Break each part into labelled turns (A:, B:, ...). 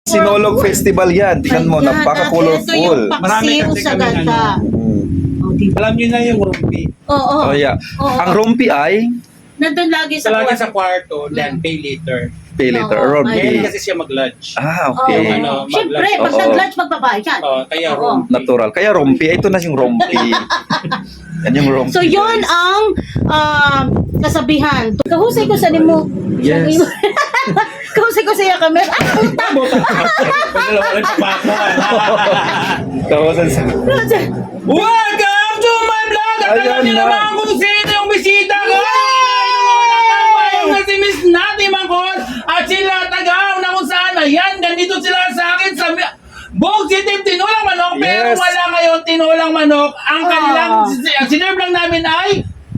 A: Sinulog Festival yan. Tingnan mo,
B: Ayan,
A: napaka-colorful.
B: ito yung
C: Marami
B: paksiw
C: kasi
B: sa
C: kami
B: ganda. Oh, diba?
C: Alam niyo na yung rumpi.
B: Oo.
A: Oh, yeah.
B: Oo.
A: Ang rumpi ay
B: Nandun lagi sa
C: Lagi
B: kwarto.
C: sa kwarto, then pay later.
A: pay later,
B: Oo,
A: rumpi.
C: Ngayon kasi siya mag-lunch.
A: Ah,
B: Oo.
A: okay.
C: Yung ano,
B: Siyempre,
C: mag-lunch.
B: pag
A: Oo.
B: nag-lunch, magbabayad yan.
C: Kaya
B: Oo.
C: rumpi.
A: Natural. Kaya rumpi. Ito na yung rumpi. Yan yung rumpi.
B: So, yun ang kasabihan. Kahusay ko sa nimo.
A: Yes.
B: Kahusay ko sa iya kami.
C: Pagdalawa lang sa bako.
A: Kawasan sa...
C: Welcome to my vlog! At
A: Ayan
C: alam niyo
A: na.
C: naman kung sino yung bisita ko! Yung na si Miss Nati Mangkot at sila Tagaw na kung saan. Ayan, ganito sila sa akin sa Bog City, tinulang manok, pero
A: Yes.
C: wala ngayon tinulang manok. Ang kanilang, ang sinerve lang namin ay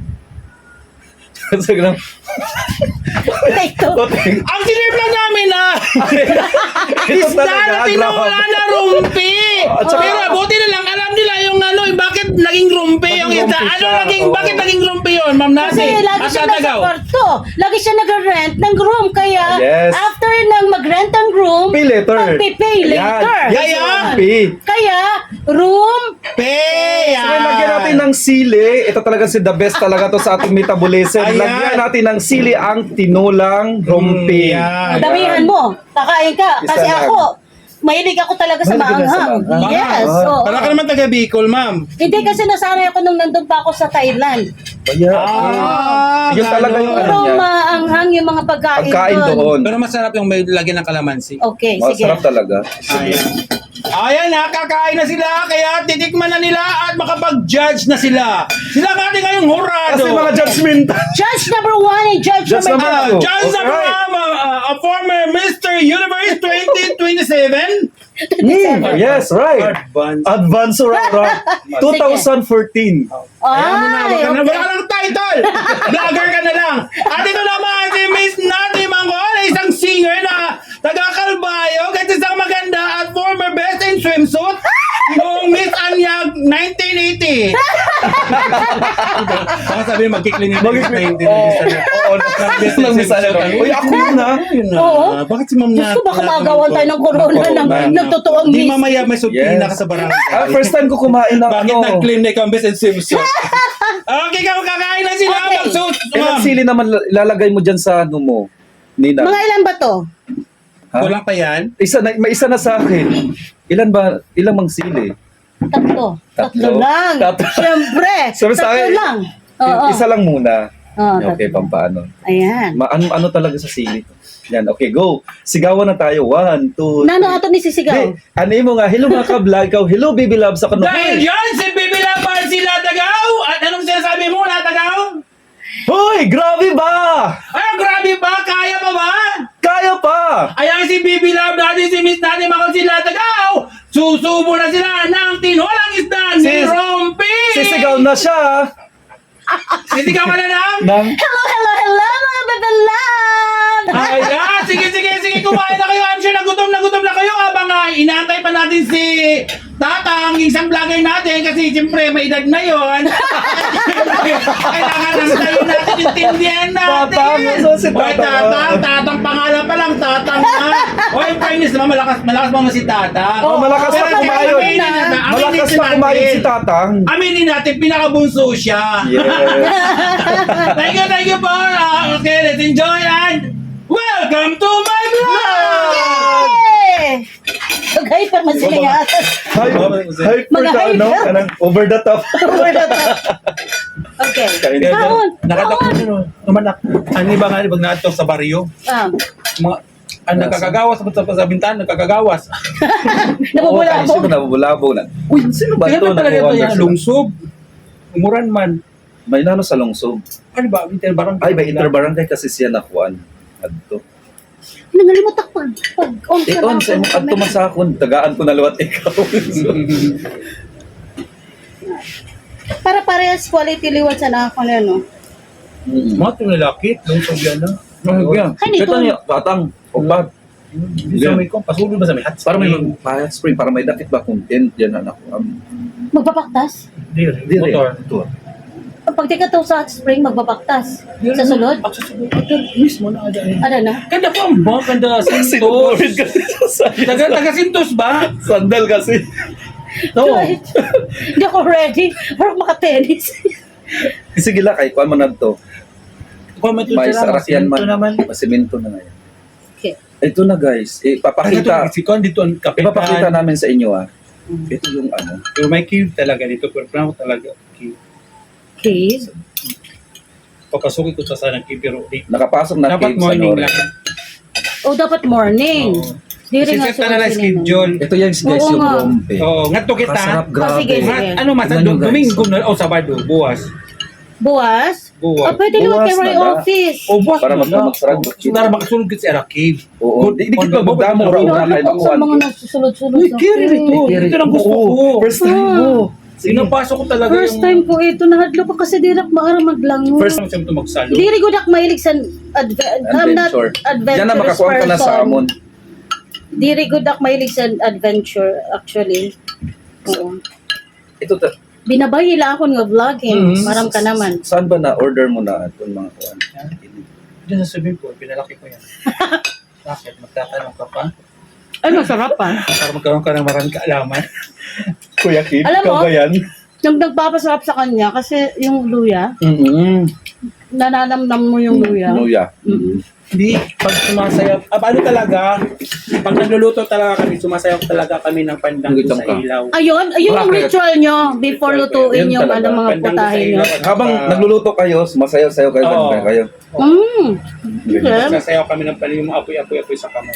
A: Ito.
C: ang sinerve lang namin ay
A: Ito
C: isda na
A: talaga.
C: tinula
A: Grabe.
C: na rumpi.
A: At saka-
C: Pero buti na lang, alam nila yung ano, bakit naging rumpi yung
A: Naging
C: isda.
A: rumpi
C: Ano
A: siya,
C: naging,
A: oo.
C: bakit naging rumpi yun, Ma'am
B: Kasi
C: Nati?
B: lagi
C: At
B: siya nasa
C: Tagaw.
B: kwarto. Lagi siya nag-rent ng room. Kaya,
A: Yes.
B: after nang mag-rent ng room,
A: Pay later.
B: magpipay later.
A: Yan.
C: Kaya?
A: Rumpi.
B: Kaya, room,
C: Pay!
A: So, lagyan natin ng sili. Ito talaga si the best talaga to sa ating metabolism.
C: Ayan.
A: Lagyan natin ng sili ang tinulang rumpi.
C: Yan.
B: damihan mo. Kakain ka.
A: Isa
B: Kasi
A: lang.
B: ako, mahilig ako talaga sa
A: Mahilig ka sa
B: maanghang.
A: maanghang.
B: Yes.
A: Ah.
B: oo.
C: Wala ka naman taga Bicol, Ma'am.
B: Hindi kasi nasanay ako nung nandun pa ako sa Thailand.
A: Kaya, yun talaga yung ano
B: Puro
A: niya.
B: maanghang yung mga pagkain,
A: Pagkain doon.
C: Pero masarap yung may lagyan ng kalamansi.
B: Okay, sige.
A: Masarap talaga.
C: Ayan. Ayan na, kakain na sila, kaya titikman na nila at makapag-judge na sila. Sila ang ating ngayong hurado.
A: Kasi mga judgmental.
B: Judge number 1 and judge
A: Judge
B: number
A: number
B: 2.
C: Judge number
A: Alright.
C: one, a former Mr. Universe 2027.
A: Yes, right.
C: Advance.
A: Advance Aurora 2014.
B: Ay,
C: Wala
B: okay.
C: ka lang title. Vlogger ka na lang. At ito naman si Miss Nati Mangkol, isang singer na taga-Calbayo, kahit isang maganda at former best in swimsuit noong Miss Anyag 1980. Baka sabihin magkikling yung
A: Oo, nang misal. Uy, ako yun ha.
B: Oo.
C: Bakit si Ma'am
B: Diyos
C: Nati?
B: ko, baka magawan tayo ng corona ng nagtotoong
C: Di
B: miss.
C: mamaya may supina
A: Yes.
C: ka sa barangay.
A: First time ko kumain ng
C: Bakit
A: ano.
C: nag-claim na ikaw ang best in swimsuit? Okay, kakain na sila.
B: Okay.
C: Magsuot,
A: Ilang
C: ma'am.
A: sili naman lalagay mo dyan sa ano mo? Nina.
B: Mga ilan ba to?
A: Ha?
C: Kulang pa yan?
A: Isa na, may isa na sa akin. Ilan ba? Ilang mang sili?
B: Tatlo.
A: Tatlo?
B: lang.
A: Tatlo.
B: Siyempre.
A: Sabi sa
B: tatlo
A: akin,
B: lang. Oo.
A: Isa lang muna.
B: Oo,
A: Okay, pampaano.
B: Ayan.
A: Ano talaga sa sili? Yan, okay, go. Sigawan na tayo. 1, 2,
B: Nano ato ni sisigaw?
A: Hey, ano mo nga? Hello mga ka-vlog. Ikaw, hello baby love sa kanong.
C: Dahil yan, si Bibi Labar si Latagaw. At anong sinasabi mo, Latagaw?
A: Hoy, grabe ba?
C: Ay, grabe ba? Kaya pa ba?
A: Kaya pa!
C: Ayan si Bibi Love natin, si Miss Nati Mangkol si Latagaw. Susubo na sila ng tinolang isda ni
A: Sis-
C: Rompi.
A: Sisigaw na siya.
C: Sisigaw ka na lang?
A: Nang,
B: Hello, hello, hello, mga babalan!
C: Ayan, sige, kumain na kayo. I'm sure na gutom na kayo habang inaantay pa natin si Tatang, isang vlogger natin kasi siyempre may edad na yon. Kailangan lang tayo natin intindihan natin.
A: Tatang, so si
C: Oy,
A: Tatang.
C: Tatang pangalan pa lang, Tatang na. Oy, fairness naman, malakas mo si Tatang.
A: Oh, malakas
B: pa
C: Pero
A: kumain.
C: aminin natin,
A: malakas
C: aminin
A: pa kumain
C: natin.
A: si Tatang.
C: Aminin natin, pinakabunso siya.
A: Yes.
C: Thank you po. Okay, let's enjoy and welcome to my vlog!
B: Yay! Okay, pa man sila nga.
A: Hyper
B: Mga
A: ka, no?
B: hyper.
A: Kanang over the top.
B: Okay.
A: Kainin.
B: Kaon.
C: Ano ba nga, pag nato sa baryo? Mga, nakakagawas sa bintana, nakakagawas.
B: Nabubula
A: Sino nabubulabo na? Uy, sino ba ito?
C: Kaya talaga ito
A: Nag-wonder
C: yan,
A: sila.
C: lungsog. Umuran man.
A: May nano sa lungsog.
C: Ano ba, winter barang?
A: Ay, may interbarangay kasi siya nakuan. Adto.
B: Nangalimutak pag on ka
A: On, sa imong adto masakon, tagaan ko na luwat ikaw.
B: Para parehas quality liwat sa nakakon na, no?
C: Mga ito nilakit, lungsog yan na.
B: Kanito.
A: Ito niya, batang. Upat.
C: Hindi sa may ko, pasulod ba sa may hot
A: Para may hot spring, para may dakit ba content yan anak ko.
B: Magpapaktas?
C: Dire,
A: Dire.
C: motor.
A: Ito.
B: Pag tika to sa hot spring, magbabaktas. Sa sulod?
C: Sa sulod. Mismo na ada.
B: Ano na?
C: Kanda po ang ba? Kanda
A: Sinuburit
C: Sintos.
A: kasi sa
C: Taga Sintos ba?
A: Sandal kasi.
C: No.
B: Hindi ako ready. Parang maka-tennis.
A: Sige lang, kahit kuhan mo na to.
C: Comment
A: May sarakyan man.
C: Ito naman.
A: Masimento na ngayon.
B: Okay.
A: Ito na guys, ipapakita.
C: Si Kon dito ang kapitan.
A: Ipapakita namin sa inyo Ito yung ano.
C: Pero may cave talaga dito. Pero plano talaga cave.
B: Okay.
C: Pagkasuki ko sa sana cave pero di.
A: Nakapasok na
C: Dapat
A: cave sa
C: morning
A: Nore.
C: lang.
B: Oh, dapat morning. Di rin nga
C: Kasi na lang schedule.
A: Ito yan guys,
B: Oo
A: yung
B: nga.
A: rompe.
C: Oo, nga to kita.
A: Kasarap,
B: Oh,
A: grabe.
B: sige, sige.
C: Ano mas
A: Tingnan nyo, guys.
C: Domingo na o Sabado, buwas.
B: Buwas?
C: Buwas.
B: Oh, pwede naman
A: Buwas
B: kay Roy
A: na ba?
B: office.
C: O buwas
A: Para
C: na lang.
A: magsarat.
C: Para makasunod ka sa cave.
A: Oo. Di kita magdamo ra
B: Ano
A: una kay
B: ko sa
A: makuhan.
B: mga nagsusulod-sulod
C: Uy,
B: sa
C: kiri
B: cave.
C: ito. Ito lang gusto ko.
A: First time mo.
C: Sinapasok ko talaga
B: First time ko ito. Nahadlo pa kasi di rak maara maglangon.
C: First time ko magsalo.
B: Di rin ko dak mahilig sa I'm not
A: Adventure.
B: adventurous
A: Yan na makakuha ka na sa
B: person.
A: amon.
B: Di rin ko dak mahilig sa adventure actually. Oo.
A: Ito
B: Binabay nila ako ng vlogging.
C: Mhm.
B: Maram ka naman.
A: saan ba na order mo na itong mga kuhan?
C: Diyan sa swimming pool, pinalaki ko yan. Bakit? Magtatanong ka pa?
B: Ay, masarap pa.
C: Para magkaroon ka ng maraming kaalaman.
A: Kuya Kid,
B: Alam
A: ikaw
B: mo?
A: ba yan?
B: Yung nagpapasarap sa kanya kasi yung luya, nananamnam mo yung luya.
A: Luya.
B: Mm-mm.
C: Hindi, pag sumasayaw, ano talaga, pag nagluluto talaga kami, sumasayaw talaga kami ng pandang
A: Ang
C: sa
A: gitang ka.
C: ilaw.
B: Ayun yung
A: Bakit?
B: ritual nyo before lutuin
A: Yun
B: yung
A: talaga.
B: mga
C: Pandang
B: putahe
C: sa
B: nyo.
C: ilaw.
A: Habang nagluluto kayo, sumasayaw-sayaw kayo,
C: Oo.
A: ganun kayo.
B: Okay.
C: Sasayaw kami ng panin, yung mga apoy-apoy sa kamay.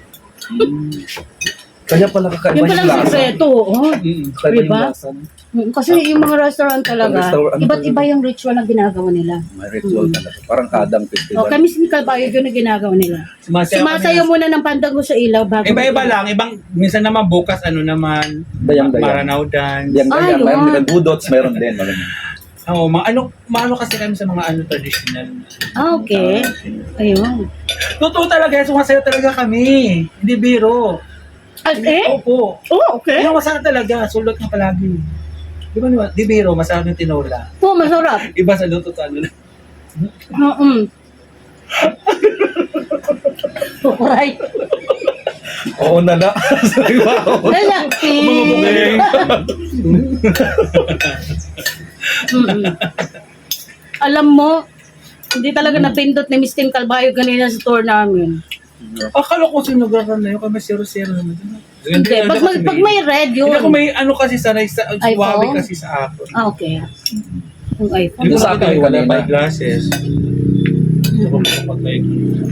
A: Kaya pala kakaiba
B: Yung
A: yung
B: palang
A: lasa.
B: sikreto. Oh.
A: Kakaiba yung
B: Diba?
A: lasa.
B: Kasi yung mga restaurant talaga,
A: Restaurant
B: iba't
A: talaga.
B: iba yung ritual na ginagawa nila.
A: May ritual talaga. Parang kadang festival.
B: O kami si Calvario yun na ginagawa nila.
C: kami.
B: Sumasayaw muna ng pandago sa ilaw bago.
C: Iba-iba lang, minsan naman bukas, naman,
A: Dayang-dayang.
C: Maranaw dance.
A: Yang
B: Ay,
A: ganyan, mayroon
B: yun.
A: din. Budots, mayroon din.
C: Oo, maano kasi kami sa mga traditional.
B: Ah, okay. Ayun.
C: Totoo talaga, sumasayaw talaga kami. Hindi biro.
B: As eh?
C: Opo.
B: Oh, okay.
C: Yung masarap talaga, sulot nga palagi. Di ba, di biro, masarap yung tinola.
B: Oo, masarap.
C: Iba sa luto sa ano na.
B: Right.
A: Oo na na. Sorry ba?
B: Wala. Alam mo, hindi talaga napindot ni Miss Tim Calvario kanina sa tour namin.
C: Akala ko sinugaran na yun, kami 0-0 naman.
B: Hindi. Pag may red
C: Hindi ako
B: yun.
C: may ano kasi sanay sa
B: iPhone?
C: Huawei kasi sa ako.
B: Ah, okay. Yung iPhone.
C: Hindi ko
A: Sa akin
C: nakita, wala
A: kanina.
C: may glasses. Hindi ko makapag-like.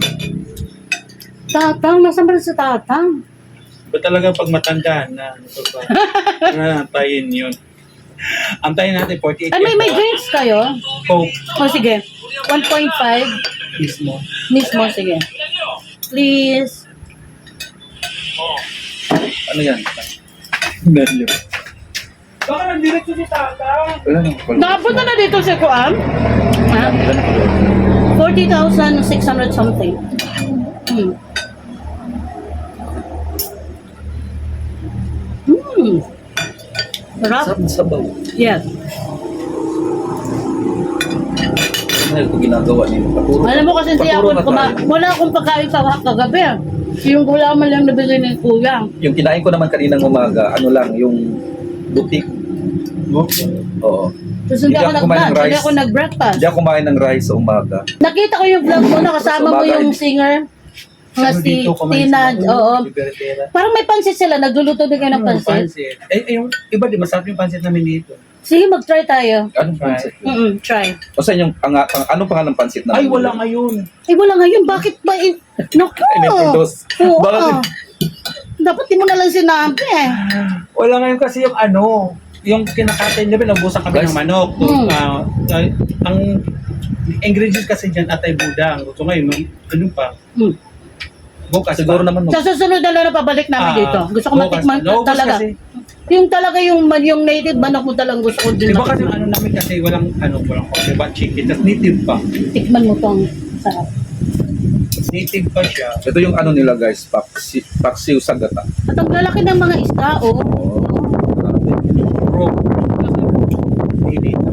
B: Tatang, nasaan ba sa tatang?
C: Ba talaga pag matanda na ano pa ba? Antayin yun. Antayin natin 48
B: Ay, may drinks kayo?
C: Coke
B: O, sige. 1.5
C: mismo.
B: mismo, sige. Please.
A: Ano yan? Menu.
C: Baka nagdiretso si Tata.
A: Wala na.
B: Nakapunta na dito si Kuan? Ha? 40,600 something. Hmm. Sarap.
A: Sarap na sabaw.
B: Yes.
A: Ano ito ginagawa niyo? Paturo.
B: Alam mo kasi hindi
A: Paturo
B: ako,
A: na tayo.
B: wala akong pagkain sa kagabi. Yung gulaman lang nabili ni Kuya.
A: Yung kinain ko naman kaninang umaga, ano lang, yung butik. Oo.
B: Tapos hindi
A: Hindi
B: ako
A: ako kumain ng
B: nag-lunch, hindi
A: rice.
B: ako nag-breakfast.
A: Hindi ako kumain ng rice sa umaga.
B: Nakita ko yung vlog mo, nakasama mo
A: Sabagay.
B: yung singer. Nga si Tina, oo. Parang may pansit sila, nagluluto din kayo ng pansit.
C: Pansit. Yung iba di masarap yung pansit namin dito.
B: Sige, mag-try tayo.
A: Anong pansit?
B: Try.
A: O sa inyong, anong pangalan ng pansit na?
C: Ay, wala ngayon.
B: Eh, wala ngayon, bakit ba? Naku!
A: Ay, may produce.
B: Oo.
A: Bakit?
B: Dapat di mo na lang sinabi eh.
C: Wala ngayon kasi yung ano, yung kinakain nila, nabusan kami
A: Guys.
C: ng manok.
B: Hmm.
C: Ang ingredients kasi dyan atay budang. So ngayon, ano pa?
B: Hmm.
C: Bukas
A: Siguro
C: pa.
A: naman.
B: Sa susunod na lang na pabalik namin dito. Gusto ko
C: bukas
B: matikman
C: pa. Bukas
B: talaga.
C: Kasi,
B: Yung talaga yung native manok mo talagang gusto ko din
C: diba kasi yung
B: matikman.
C: ano namin kasi walang diba, chicken, tas native pa.
B: Tikman mo tong sarap.
C: Native pa siya.
A: Ito yung ano nila guys, paksiw sa gata.
B: At ang lalaki ng mga isda, oh.
C: Bro. Native.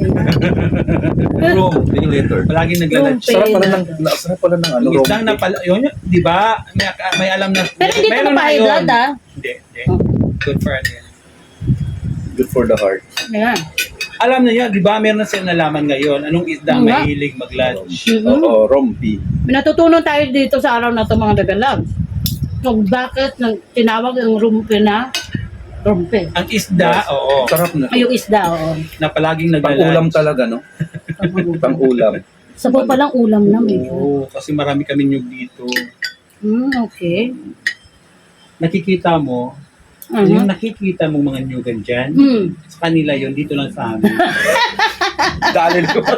A: Rom, yung letter.
C: Palaging nagla-lunch.
B: Rom.
A: Sarap pala ng ano,
C: Yung isdang na pala, yun, di ba? May alam na.
B: Pero hindi ito
C: meron na
B: pa high
C: yun.
B: blood, ah.
C: Hindi. Good for ano yan.
A: Good for the heart.
B: Ayan.
C: Alam na yun, di ba? Meron na silang nalaman ngayon. Anong isda ang
B: Nga.
C: mahilig mag-lunch?
A: Oo, rompi.
B: May natutunan tayo dito sa araw na ito, mga dagalabs. Kung bakit tinawag ang rumpe na rumpe.
C: Ang isda, oo,
A: Sarap na.
B: Ay, yung isda, oo.
C: na palaging
A: Pang-ulam
C: nagla-lunch.
A: talaga, no? Pang-ulam.
B: Sabaw palang ulam na medyo.
C: Oo, kasi marami kami nyug dito.
B: Okay.
C: Nakikita mo, yung nakikita mong mga nyugan dyan, sa kanila yun, dito lang sa amin.
A: Dali liwan.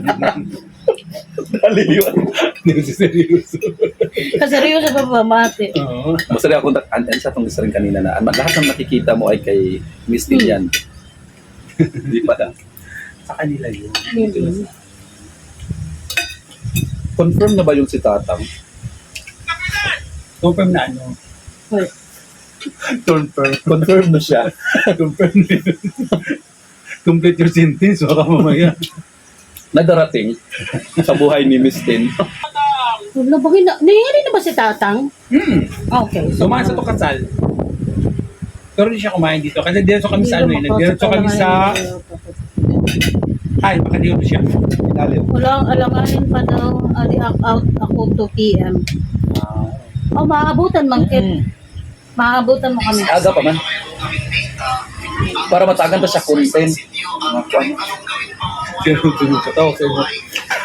A: Dali liwan.
C: Hindi si seryoso.
B: Kaseryoso pa pamati.
C: Oo.
A: Masaya ako, sa itong isa rin kanina na, lahat ng nakikita mo ay kay Miss Tin yan. Hindi pa na.
C: Sa kanila yun.
A: Confirm na ba yung si Tatang?
C: Confirm na ano?
B: Hoy.
A: Confirm na siya.
C: Confirm na yun. Complete your sentence, baka mamaya.
A: Nadarating sa buhay ni Miss Tin.
B: Wala ba nangyari na ba si Tatang? Okay.
C: Sumaan sa Tukasal. Pero hindi siya kumain dito. Kasi diretso kami sa ano eh. Diretso kami sa... Ay, baka dito siya.
A: Ilalim.
B: Walang alanganin pa daw. Out ako 2 p.m. Oh, maabutan man kit. Maabutan mo kami.
A: Aga pa man. Para matagan pa siya content.
C: Pero tulog ka tao.